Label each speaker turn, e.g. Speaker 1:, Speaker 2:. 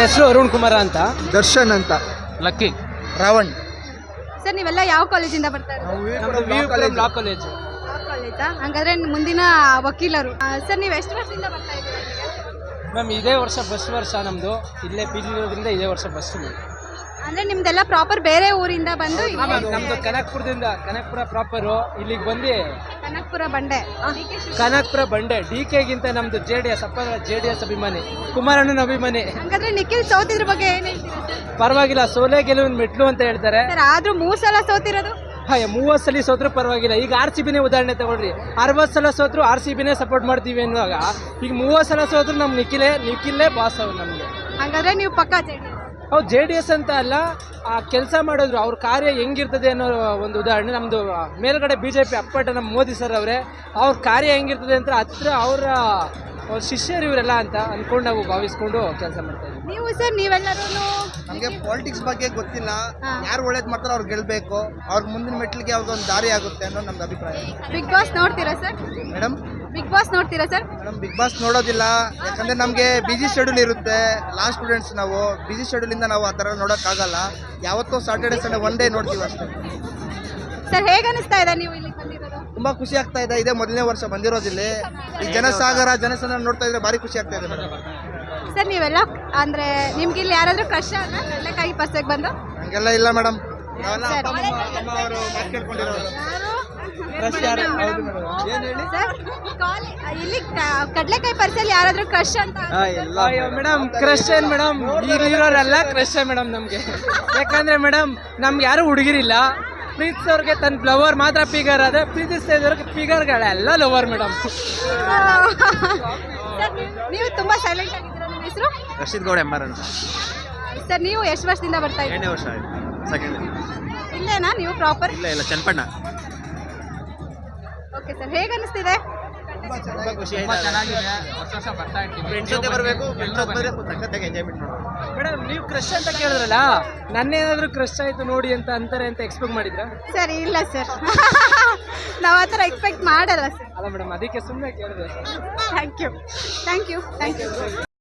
Speaker 1: ಹೆಸರು ಅರುಣ್ ಕುಮಾರ ಅಂತ.
Speaker 2: ದರ್ಶನ್ ಅಂತ.
Speaker 1: ಲಕ್ಕಿ.
Speaker 2: ರಾವಣ್.
Speaker 3: ಸರ್ ನೀವೆಲ್ಲ ಯಾವ ಕಾಲೇಜಿಂದ ಬರ್ತಾ ಇರೋದು?
Speaker 1: Law college.
Speaker 3: ಕಾಲೇಜಾ? ಹಂಗಾದ್ರೆ ಮುಂದಿನ ವಕೀಲರು. ಸರ್ ನೀವು ಎಷ್ಟು ವರ್ಷದಿಂದ ಬರ್ತಾ ಇದ್ದೀರಾ?
Speaker 1: ಮ್ಯಾಮ್ ಇದೇ ವರ್ಷ ಫಸ್ಟ್ ವರ್ಷ ನಮ್ಮದು. ಇಲ್ಲೇ ಪಿ ಜಿ ಇರೋದ್ರಿಂದ ಇದೇ ವರ್ಷ ಫಸ್ಟ್.
Speaker 3: ಅಂದ್ರೆ ನಿಮ್ದೆಲ್ಲ ಪ್ರಾಪರ್ ಬೇರೆ ಊರಿಂದ ಬಂದು
Speaker 1: ನಮ್ದು ಕನಕಪುರ ಪ್ರಾಪರು ಇಲ್ಲಿಗೆ ಬಂದು
Speaker 3: ಕನಕಪುರ ಬಂಡೆ.
Speaker 1: ಕನಕಪುರ ಬಂಡೆ. DK ಗಿಂತ ನಮ್ದು JDS ಅಭಿಮಾನಿ, ಕುಮಾರಣ್ಣನ ಅಭಿಮಾನಿ.
Speaker 3: ಹಂಗಾದ್ರೆ ನಿಖಿಲ್ ಸೋತಿದ್ರ ಬಗ್ಗೆ ಏನ್ ಹೇಳ್ತೀರಾ ಸರ್?
Speaker 1: ಪರವಾಗಿಲ್ಲ, ಸೋಲೆ ಗೆಲುವಿನ ಮೆಟ್ಲು ಅಂತ ಹೇಳ್ತಾರೆ.
Speaker 3: ಸರ್ ಆದ್ರೂ 3 ಸಲ ಸೋತಿರೋದು.
Speaker 1: 30 ಸಲ ಸೋತ್ರು ಪರವಾಗಿಲ್ಲ. ಈಗ RCBನೇ ಉದಾಹರಣೆ ತಗೊಳ್ರಿ. 60 ಸಲ ಸೋತ್ರು RCBನೇ ಸಪೋರ್ಟ್ ಮಾಡ್ತೀವಿ ಅನ್ನುವಾಗ ಈಗ 30 ಸಲ ಸೋತ್ರು ನಮ್ಮ ನಿಖಿಲೇ ಬಾಸ್ ಅವ್ರು ನಮಗೆ.
Speaker 3: ಹಂಗಾದ್ರೆ ನೀವು ಪಕ್ಕ JDS.
Speaker 1: ಅವ್ರು JDS ಅಂತ ಅಲ್ಲ, ಆ ಕೆಲಸ ಮಾಡಿದ್ರು ಅವ್ರ ಕಾರ್ಯ ಹೆಂಗಿರ್ತದೆ ಅನ್ನೋ ಒಂದು ಉದಾಹರಣೆ. ನಮ್ಮದು ಮೇಲ್ಗಡೆ BJP ಅಪ್ಪಟ ನಮ್ಮ ಮೋದಿ ಸರ್ ಅವರೇ, ಅವ್ರ ಕಾರ್ಯ ಹೆಂಗಿರ್ತದೆ ಅಂತ ಹತ್ರ ಅವ್ರ ಶಿಷ್ಯರು ಇವರೆಲ್ಲ ಅಂತ ಅಂದ್ಕೊಂಡು ನಾವು ಭಾವಿಸ್ಕೊಂಡು ಕೆಲಸ ಮಾಡ್ತಾ ಇದ್ದೀವಿ.
Speaker 3: ನೀವು ಸರ್ ನೀವೆಲ್ಲರೂ
Speaker 2: ನಮಗೆ ಪಾಲಿಟಿಕ್ಸ್ ಬಗ್ಗೆ ಗೊತ್ತಿಲ್ಲ. ಯಾರು ಒಳ್ಳೇದು ಮಾಡ್ತಾರೋ ಅವ್ರು ಗೆಲ್ಬೇಕು. ಅವ್ರ ಮುಂದಿನ ಮೆಟ್ಲಿಗೆ ಯಾವ್ದೊಂದು ದಾರಿ ಆಗುತ್ತೆ ಅನ್ನೋ ನಮ್ದು ಅಭಿಪ್ರಾಯ.
Speaker 3: ಬಿಗ್ ಬಾಸ್ ನೋಡ್ತೀರಾ ಸರ್?
Speaker 2: ಮೇಡಮ್
Speaker 3: ಬಿಗ್ ಬಾಸ್ ನೋಡ್ತೀರಾ ಸರ್?
Speaker 2: ಮೇಡಮ್ ಬಿಗ್ ಬಾಸ್ ನೋಡೋದಿಲ್ಲ. ಯಾಕಂದರೆ ನಮಗೆ ಬಿಜಿ ಶೆಡ್ಯೂಲ್ ಇರುತ್ತೆ. ಲಾಸ್ಟ್ ಸ್ಟೂಡೆಂಟ್ಸ್ ನಾವು ಬಿಜಿ ಶೆಡ್ಯೂಲಿಂದ ನಾವು ಆ ಥರ ನೋಡೋಕ್ಕಾಗಲ್ಲ. ಯಾವತ್ತೋ ಸಾಟರ್ಡೆ ಸಂಡೇ ಒನ್ ಡೇ ನೋಡ್ತೀವಿ ಅಷ್ಟೇ.
Speaker 3: ಸರ್ ಹೇಗೆ ಅನಿಸ್ತಾ ಇದೆ ನೀವು ಇಲ್ಲಿ ಬಂದಿರೋದು?
Speaker 2: ತುಂಬ ಖುಷಿ ಆಗ್ತಾ ಇದೆ. ಇದೇ ಮೊದಲನೇ ವರ್ಷ ಬಂದಿರೋದಿಲ್ಲಿ. ಈ ಜನಸಂದಣಿ ನೋಡ್ತಾ ಇದ್ರೆ ಭಾರಿ ಖುಷಿ ಆಗ್ತಾ ಇದೆ ಮೇಡಮ್.
Speaker 3: ಸರ್ ನೀವೆಲ್ಲ ಅಂದ್ರೆ ನಿಮ್ಗೆ ಇಲ್ಲಿ ಯಾರಾದ್ರೂ ಕಷ್ಟ ಅಲ್ಲ ಕಡಲೆಕಾಯಿ ಪರ್ಸೆಗೆ ಬಂದು?
Speaker 2: ಹಂಗೆಲ್ಲ ಇಲ್ಲ ಮೇಡಮ್.
Speaker 3: ಸರ್ ಇಲ್ಲಿ ಕಡಲೆಕಾಯಿ ಪರ್ಸಲ್ಲಿ ಯಾರಾದ್ರೂ ಕ್ರಶ್ ಅಂತ?
Speaker 1: ಮೇಡಮ್ ಕ್ರಶ್ ಏನ್ ಮೇಡಮ್, ಈಗಿರೋರೆಲ್ಲ ಕ್ರಶ್ ಮೇಡಮ್ ನಮ್ಗೆ. ಯಾಕಂದ್ರೆ ಮೇಡಮ್ ನಮ್ಗೆ ಯಾರು ಹುಡುಗಿರಿಲ್ಲ. ಪ್ರೀತಿಸೋರ್ಗೆ ತನ್ನ ಫ್ಲವರ್ ಮಾತ್ರ ಫಿಗರ್ ಅದೇ, ಪ್ರೀತಿಸ್ತಾ ಇದ್ದವ್ರಿಗೆ ಫಿಗರ್ಗಳೆಲ್ಲ ಲವರ್ ಮೇಡಮ್.
Speaker 3: ನೀವು ತುಂಬಾ ಸೈಲೆಂಟ್ ಆಗಿದ್ದೀರಾ. ನಿಮ್ಮ ಹೆಸರು?
Speaker 4: ರಶೀದ್ ಗೌಡ ಎಂಬರ್ ಅಂತ.
Speaker 3: ಸರ್ ನೀವು ಎಷ್ಟು ವರ್ಷದಿಂದ ಬರ್ತಾ ಇದ್ದೀರಾ?
Speaker 4: 2ನೇ ವರ್ಷ ಆಯ್ತು. ಸೆಕೆಂಡ್.
Speaker 3: ಇಲ್ಲೇನಾ ನೀವು ಪ್ರಾಪರ್?
Speaker 4: ಇಲ್ಲ ಚನ್ನಪಣ್ಣ.
Speaker 3: ಓಕೆ ಸರ್, ಹೇಗೆ ಅನಿಸ್ತಿದೆ?
Speaker 4: ತುಂಬ ಖುಷಿ ಆಗಿದೆ.
Speaker 1: ವರ್ಷ ಬರ್ತಾ ಇರ್ತೀವಿ.
Speaker 4: ಫ್ರೆಂಡ್ಸ್ ಜೊತೆ ಬರಬೇಕು. ಫ್ರೆಂಡ್ಸ್ ಜೊತೆ ಬಂದರೆ ಸಖತ್ತಾಗಿ ಎಂಜಾಯ್ಮೆಂಟ್ ಮಾಡೋದು.
Speaker 1: ಮೇಡಮ್ ನೀವು ಕ್ರಶ್ ಅಂತ ಕೇಳಿದ್ರಲ್ಲ, ನನ್ನೇನಾದ್ರೂ ಕ್ರಶ್ ಆಯ್ತು ನೋಡಿ ಅಂತ ಅಂತಾರೆ ಅಂತ ಎಕ್ಸ್ಪೆಕ್ಟ್ ಮಾಡಿದ್ರಾ?
Speaker 3: ಸರ್ ಇಲ್ಲ ಸರ್, ನಾವು ಆ ಥರ ಎಕ್ಸ್ಪೆಕ್ಟ್ ಮಾಡಲ್ಲ ಸರ್.
Speaker 1: ಅಲ್ಲ ಮೇಡಮ್, ಅದಕ್ಕೆ ಸುಮ್ಮನೆ ಕೇಳಿದೆ.
Speaker 3: Thank you.